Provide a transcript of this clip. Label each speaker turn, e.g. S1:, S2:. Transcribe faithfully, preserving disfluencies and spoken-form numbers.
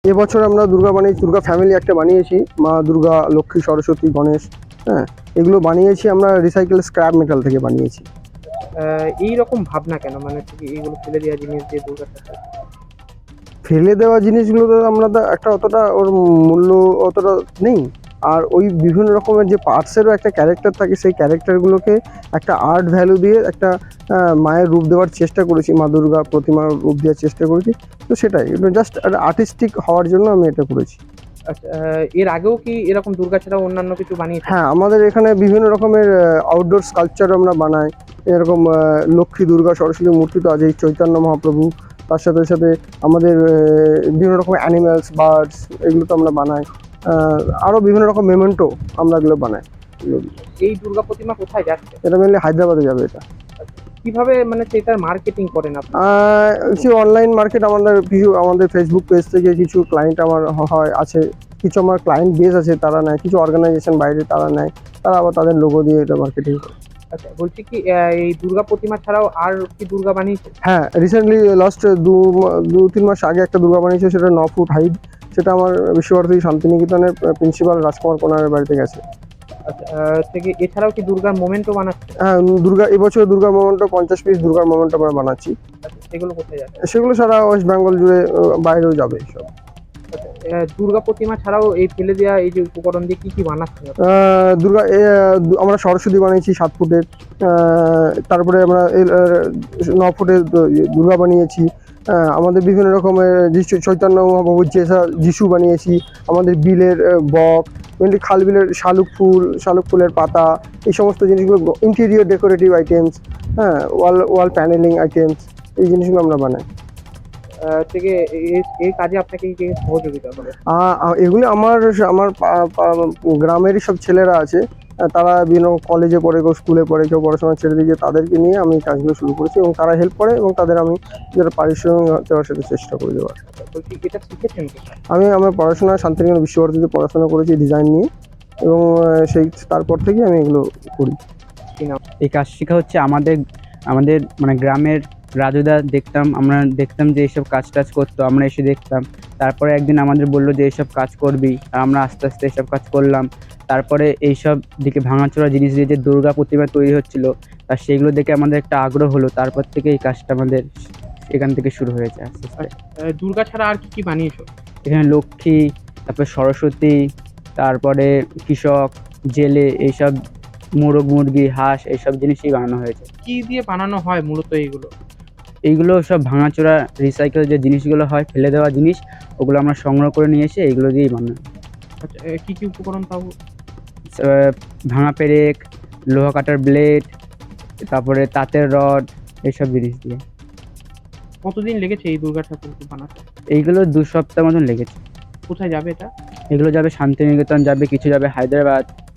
S1: এবছর আমরা দুর্গা বানিয়েছি, দুর্গা ফ্যামিলি একটা বানিয়েছি, মা দুর্গা, লক্ষ্মী, সরস্বতী, গণেশ। হ্যাঁ, এগুলো বানিয়েছি আমরা রিসাইকেল স্ক্র্যাপ মেটাল থেকে বানিয়েছি।
S2: আহ, এইরকম ভাবনা কেন, মানে হচ্ছে কি এইগুলো ফেলে দেওয়া জিনিস দিয়ে দুর্গা ঠাকুর?
S1: ফেলে দেওয়া জিনিসগুলো তো আমরা তো একটা অতটা ওর মূল্য অতটা নেই। আর ওই বিভিন্ন রকমের যে পার্টসেরও একটা ক্যারেক্টার থাকে, সেই ক্যারেক্টারগুলোকে একটা আর্ট ভ্যালু দিয়ে একটা আহ, মায়ের রূপ দেওয়ার চেষ্টা করেছি, মা দুর্গা প্রতিমার রূপ দেওয়ার চেষ্টা করেছি। তো সেটাই, জাস্ট আর্টিস্টিক হওয়ার জন্য আমি এটা করেছি।
S2: আচ্ছা, আহ, এর আগেও কি এরকম দুর্গা ছাড়াও অন্যান্য কিছু বানিয়েছে?
S1: হ্যাঁ, আমাদের এখানে বিভিন্ন রকমের আউটডোর স্কাল্পচার আমরা বানাই। এরকম আহ, লক্ষ্মী, দুর্গা, সরস্বতী মূর্তি তো আছেই, চৈতন্য মহাপ্রভু। তার সাথে সাথে আমাদের আহ, বিভিন্ন রকমের অ্যানিম্যালস, বার্ডস, এগুলো তো আমরা বানাই। আহ, আরও বিভিন্ন রকম মেমেন্টো আমরা এগুলো বানাই।
S2: এই দুর্গা প্রতিমা কোথায় যাচ্ছে?
S1: এটা মেনলি হায়দ্রাবাদে যাবে এটা।
S2: কিভাবে মানে সেটার মার্কেটিং করেন আপনি?
S1: আহ, কিছু অনলাইন মার্কেট, আমাদের কিছু আমাদের ফেসবুক পেজ থেকে কিছু ক্লায়েন্ট আমার হয় আছে। কিছু আমার ক্লায়েন্ট বেস আছে, তারা নেয়। কিছু অর্গানাইজেশন বাইরে তারা নেয়, তারা আবার তাদের লোগো দিয়ে এটা মার্কেটিং করে।
S2: আচ্ছা, বলছি কি আহ, এই দুর্গা প্রতিমা ছাড়াও আর কি দুর্গা বানিয়েছে?
S1: হ্যাঁ, রিসেন্টলি লাস্ট দু মা- দু তিন মাস আগে একটা দুর্গা বানিয়েছে, সেটা ন ফুট হাইট। সেটা আমার বিশ্বভারতী শান্তিনিকেতনের প্রিন্সিপাল রাজকুমার কোনারের বাড়িতে গেছে।
S2: আচ্ছা, আহ, থেকে এছাড়াও কি দুর্গার মোমেন্টও বানাচ্ছে?
S1: হ্যাঁ, দুর্গা এবছর দুর্গার মোমেন্টো পঞ্চাশ পিস দুর্গার মোমেন্টো আমরা বানাচ্ছি।
S2: আচ্ছা, সেগুলো কোথায় যাচ্ছে?
S1: সেগুলো সারা ওয়েস্ট বেঙ্গল জুড়ে, আহ, বাইরেও যাবে সব।
S2: আহ, দুর্গা প্রতিমা ছাড়াও এই ফেলে দেওয়া এই যে উপকরণ দিয়ে কি কি বানাচ্ছেন আপনি?
S1: আহ, দুর্গা এ, আহ, দু- আমরা সরস্বতী বানিয়েছি সাত ফুটের। আহ, তারপরে আমরা এই, আহ, ন ফুটের দু- দুর্গা বানিয়েছি। আহ, আমাদের বিভিন্ন রকমের যিশু, চৈতন্য মহাপ্রভুর যেসা যিশু বানিয়েছি। আমাদের বিলের আহ, বক, মেনলি খাল বিলের শালুক ফুল, শালুক ফুলের পাতা, এই সমস্ত জিনিসগুলো, ইন্টেরিয়র ডেকোরেটিভ আইটেমস। হ্যাঁ, ওয়াল ওয়াল প্যানেলিং আইটেমস, এই জিনিসগুলো আমরা বানাই।
S2: আহ, থেকে এই এই কাজে আপনাকে কি কি সহযোগিতা করে?
S1: আ- আ- এগুলি আমার আমার পা- পা- গ্রামেরই সব ছেলেরা আছে। আহ, তারা বিভিন্ন কলেজে পড়ে, কেউ স্কুলে পড়ে, কেউ পড়াশোনা ছেড়ে দিয়ে, তাদেরকে নিয়ে আমি এই কাজগুলো শুরু করেছি এবং তারা হেল্প করে এবং তাদের আমি যেটা পারিশ্রমিক দেওয়ার সাথে চেষ্টা করে দেওয়ার।
S2: বলছি এটা শিখেছেন কোথায়?
S1: আমি আমার পড়াশোনা শান্তিনিকেতন বিশ্বভারতীতে পড়াশোনা করেছি ডিজাইন নিয়ে, এবং আহ, সেই তারপর থেকে আমি এগুলো করি।
S2: কি নাম?
S3: এই কাজ শেখা হচ্ছে আমাদের আমাদের মানে গ্রামের রাজুদা দেখতাম, আমরা দেখতাম যে এইসব কাজ টাজ করতো, আমরা এসে দেখতাম। তারপরে একদিন আমাদের বললো যে এইসব কাজ করবি, আর আমরা আস্তে আস্তে এইসব কাজ করলাম। তারপরে এইসব দিকে ভাঙাচোরা জিনিস দিয়ে যে দুর্গা প্রতিমা তৈরি হচ্ছিল, আর সেগুলো দেখে আমাদের একটা আগ্রহ হলো। তারপর থেকে এই কাজটা আমাদের এখান থেকে শুরু হয়েছে আস্তে আস্তে।
S2: আহ, দুর্গা ছাড়া আর কি কি বানিয়েছো?
S3: এখানে লক্ষ্মী, তারপরে সরস্বতী, তারপরে কৃষক, জেলে, এইসব মোরগ মুরগি, হাঁস, এইসব জিনিসই বানানো হয়েছে।
S2: কি দিয়ে বানানো হয় মূলত এইগুলো?
S3: এইগুলো সব ভাঙাচোরা রিসাইকেল যে জিনিসগুলো হয়, ফেলে দেওয়া জিনিস, ওগুলো আমরা সংগ্রহ করে নিয়ে এসে এইগুলো দিয়েই বানাই।
S2: আচ্ছা, আহ, কি কি উপকরণ তাও?
S3: আহ, ভাঙা পেরেক, লোহা কাটার ব্লেড, তারপরে তাঁতের রড, এইসব জিনিস দিয়ে।
S2: কতদিন লেগেছে এই দুর্গা ঠাকুরকে বানাতে?
S3: এইগুলো দু সপ্তাহ মতন লেগেছে।
S2: কোথায় যাবে এটা?
S3: এগুলো যাবে শান্তিনিকেতন, যাবে কিছু যাবে হায়দ্রাবাদ,